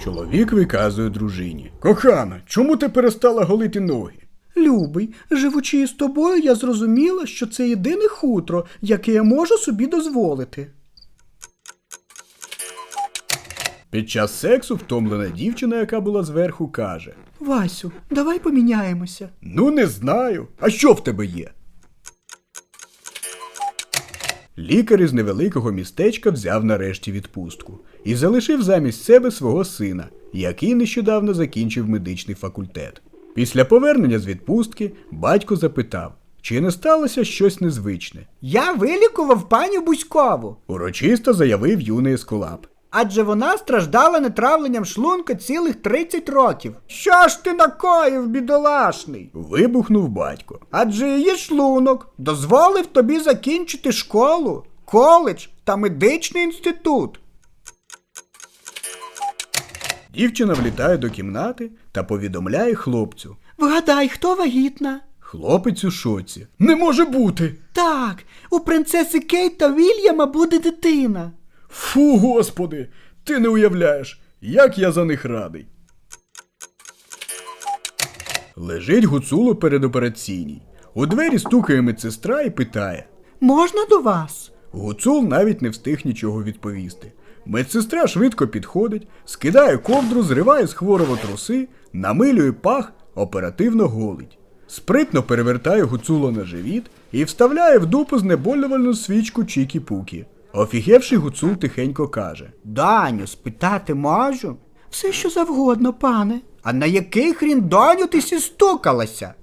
Чоловік виказує дружині. Кохана, чому ти перестала голити ноги? Любий, живучи із тобою, я зрозуміла, що це єдине хутро, яке я можу собі дозволити. Під час сексу втомлена дівчина, яка була зверху, каже: Васю, давай поміняємося. Ну не знаю. А що в тебе є? Лікар із невеликого містечка взяв нарешті відпустку і залишив замість себе свого сина, який нещодавно закінчив медичний факультет. Після повернення з відпустки батько запитав, чи не сталося щось незвичне. Я вилікував пані Буськову, Урочисто заявив юний ескулап. адже вона страждала нетравленням шлунка цілих 30 років. Що ж ти накоїв, бідолашний? Вибухнув батько. Адже її шлунок дозволив тобі закінчити школу, коледж та медичний інститут. Дівчина влітає до кімнати та повідомляє хлопцю. Вгадай, хто вагітна? Хлопець у шоці. Не може бути! Так, у принцеси Кейт та Вільяма буде дитина. Фу, господи! Ти не уявляєш, як я за них радий. Лежить Гуцул у передопераційній. У двері стукає медсестра і питає. Можна до вас? Гуцул навіть не встиг нічого відповісти. Медсестра швидко підходить, скидає ковдру, зриває з хворого труси, намилює пах, оперативно голить. Спритно перевертає Гуцула на живіт і вставляє в дупу знеболювальну свічку Чікі-Пукі. Офігевший Гуцул тихенько каже. Даню, спитати можу? Все, що завгодно, пане. А на який хрін, Даню, ти сістукалася?